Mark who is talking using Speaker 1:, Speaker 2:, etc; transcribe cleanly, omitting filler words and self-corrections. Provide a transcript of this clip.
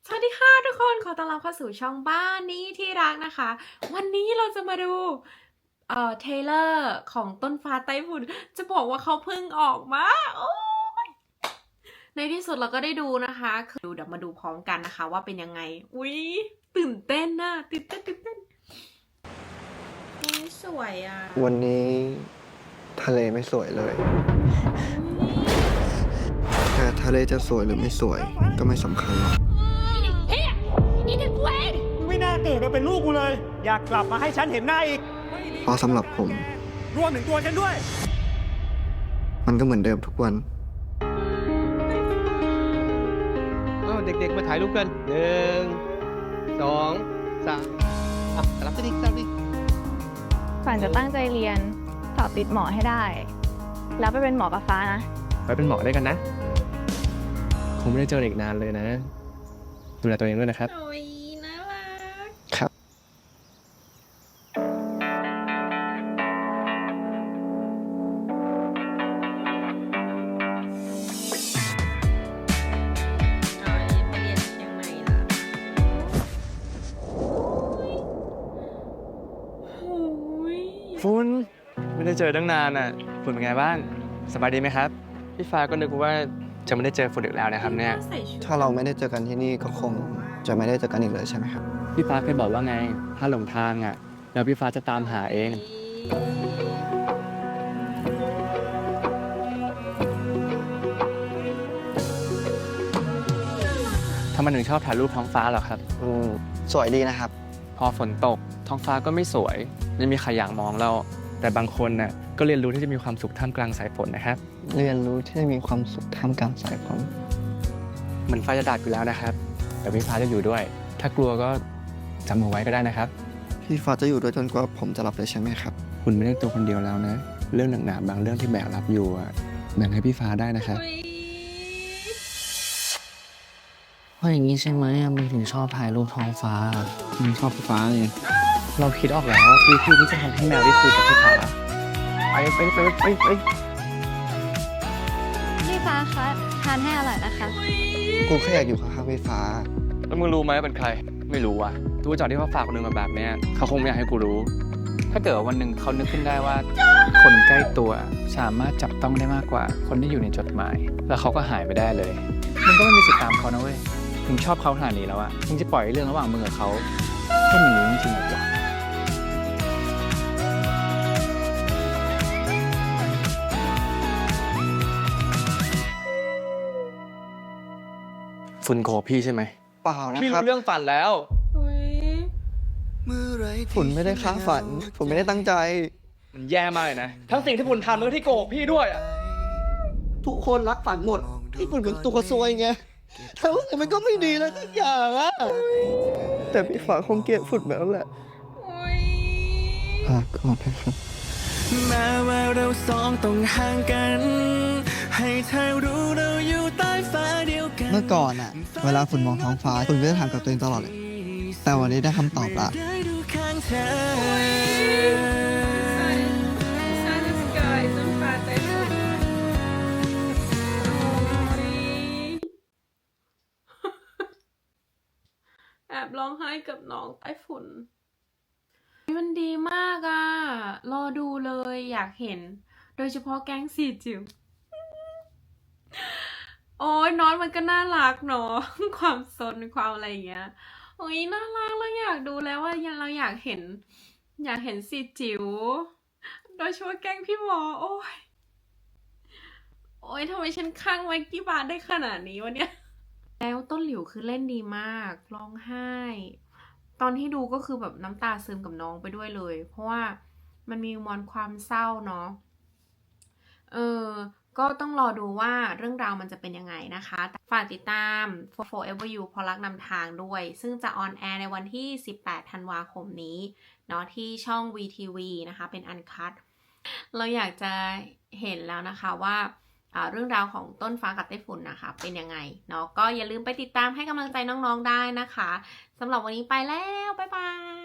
Speaker 1: สวัสดีค่ะทุกคนขอต้อนรับเข้าสู่ช่องบ้านนี้ที่รักนะคะวันนี้เราจะมาดูเทเลอร์ของต้นฟ้าไต้ฝุ่นจะบอกว่าเขาเพิ่งออกมาโอ้ยในที่สุดเราก็ได้ดูนะคะคือเดี๋ยวมาดูพร้อมกันนะคะว่าเป็นยังไงอุ๊ยตื่นเต้นนะตื่นเต้นสวยอ่ะ
Speaker 2: วันนี้ทะเลไม่สวยเลยแต่ทะเลจะสวยหรือไม่สวยก็ไม่สำคัญหรอก
Speaker 3: ไม่น่าเกิดมาเป็นลูกกูเลย อยากกลับมาให้ฉันเห็นหน้าอีก
Speaker 2: เพราะสำหรับผม
Speaker 3: รวมถึงตัวฉันด้วย
Speaker 2: มันก็เหมือนเดิมทุกวัน
Speaker 4: เด็กๆมาถ่ายรูปกัน1 2 3รับดิรับดิ
Speaker 5: ฝันจะตั้งใจเรียนสอบติดหมอให้ได้ แล้วไปเป็นหมอกับฟ้านะ
Speaker 4: ไปเป็นหมอด้วยกันนะ คงไม่ได้เจออีกนานเลยนะ ดูแลตัวเองด้วยนะครับ
Speaker 1: โอ้ยน่ารัก
Speaker 2: ครับ
Speaker 1: ไปเรียนเชียงใหม่ละโอ้ย
Speaker 4: ฝุ่นไม่ได้เจอตั้งนานอ่ะฝุ่นเป็นไงบ้างสบายดีไหมครับพี่ฟ้าก็นึกว่าจะไม่ได้เจอฝุ่นอีกแล้วนะครับเนี่ย
Speaker 1: ใส่ชุด
Speaker 2: ถ้าเราไม่ได้เจอกันที่นี่ก็คงจะไม่ได้เจอกันอีกเลยใช่ไหมครับ
Speaker 4: พี่ฟ้าเคยบอกว่าไงถ้าหลงทางอ่ะแล้วพี่ฟ้าจะตามหาเองทำไมถึงชอบถ่ายรูปท้องฟ้าเหรอครับ
Speaker 2: สวยดีนะครับ
Speaker 4: พอฝนตกท้องฟ้าก็ไม่สวยไม่มีใครอยากมองเราแต่บางคนน่ะก็เรียนรู้ที่จะมีความสุขท่ามกลางสายฝนนะครับ
Speaker 2: เรียนรู้ที่จะมีความสุขท่ามกลางสายฝน
Speaker 4: เหมือนฟ้าจะดับอยู่แล้วนะครับแต่พี่ฟ้าจะอยู่ด้วย ถ้ากลัวก็จำเอาไว้ก็ได้นะครับ
Speaker 2: พี่ฟ้าจะอยู่ด้วยจนกว่าผมจะหลับเลยใช่ไหมครับ
Speaker 4: คุณไม่ได้ตัวคนเดียวแล้วนะ เรื่องหนักๆบางเรื่องที่แบกรับอยู่อะแบ่งให้พี่ฟ้าได้นะครับ
Speaker 6: เพราะอย่างนี้ใช่ไหมมันถึงชอบถ่ายรูปท้องฟ้า
Speaker 4: มันชอบพี่ฟ้าไงเราคิดออกแล้ววิธีที่จะทำให้แมวได้คุยกับพี่ฟ้าไป
Speaker 5: พี่ฟ้าคะทานให้อร่อยนะคะ
Speaker 2: กูแค่อยากอยู่ข้างๆพี่ฟ้า
Speaker 4: แล้วมึงรู้ไหมเป็นใครไม่รู้ว่ะดูจากที่เขาฝากคนนึงมาแบบเนี้ยเขาคงไม่อยากให้กูรู้
Speaker 7: ถ้าเกิดวันหนึ่งเขานึกขึ้นได้ว่า คนใกล้ตัวสามารถจับต้องได้มากกว่าคนที่อยู่ในจดหมาย แล้วเขาก็หายไปได้เลยมึงก็ไม่มีสิทธิ์ตามเขานะเว้ยมึงชอบเขาขนาดนี้แล้วอะมึงจะปล่อยเรื่องระหว่างมึงกับเขาแค่หนีจริงๆเหรอ
Speaker 4: ฝุ่นโกรธพี่ใช่ไหม
Speaker 2: เปล่านะ
Speaker 4: พี่
Speaker 2: ครับ
Speaker 4: รู้เรื่องฝันแล้ว
Speaker 1: อุ๊ย
Speaker 2: ฝนไม่ได้ค้าฝัน ผมไม่ได้ตั้งใจ
Speaker 4: มันแย่มากเลยนะทั้งสิ่งที่ฝุ่นทำแล้วที่โกรธพี่ด้วยอะ
Speaker 2: ทุกคนรักฝันหมดที่ฝุ่นเป็นตัวซวยไงแต่ว่ามันก็ไม่ดีแล้วทุกอย่างอะแต่พี่ฟ้าคงเกลียดฝุ่นแบบนั้นแหละ
Speaker 1: อุ๊ย
Speaker 2: ฝากก่อนนะครับ
Speaker 3: แม้ว่าเราสองต้องห่างกัน ให้เธอรู้เราอยู่ใต้ฟ้าเดียวกัน
Speaker 2: เมื่อก่อนอะเวลาฝุ่นมองท้องฟ้าฝุ่นก็จะถามกับตัวเองตลอดเลย แต่วันนี้ได้คำตอบละ
Speaker 3: ได้ดูข้างเธอ
Speaker 1: Sun is sky ต้นฟ้าไต้ฝุ่นโอ้ยแอบร้องไห้กับน้องไต้ฝุ่นมันดีมากอ่ะ รอดูเลยอยากเห็น โดยเฉพาะแก๊งสีจิ๋วโอ้ยน้องมันก็น่ารักเนาะ ความซนความอะไรอย่างเงี้ย โอ้ยน่ารักแล้วอยากดูแล้วว่าเราอยากเห็นสีจิ๋วโดยเฉพาะแก๊งพี่หมอโอ้ยทำไมฉันคลั่งไมค์กี้บาร์ได้ขนาดนี้วะเนี่ยแล้วต้นหลิวคือเล่นดีมากร้องไห้ ตอนที่ดูก็คือแบบน้ำตาซึมกับน้องไปด้วยเลย เพราะว่ามันมีมวลความเศร้าเนาะก็ต้องรอดูว่าเรื่องราวมันจะเป็นยังไงนะคะฝากติดตาม Forever You เพราะรักนำทางด้วย ซึ่งจะออนแอร์ในวันที่ 18 ธันวาคมนี้เนาะที่ช่อง VTV นะคะเป็นอันคัทเราอยากจะเห็นแล้วนะคะว่าเรื่องราวของต้นฟ้ากับไต้ฝุ่นนะคะเป็นยังไงเนาะก็อย่าลืมไปติดตามให้กำลังใจน้องๆได้นะคะสำหรับวันนี้ไปแล้วบ๊ายบาย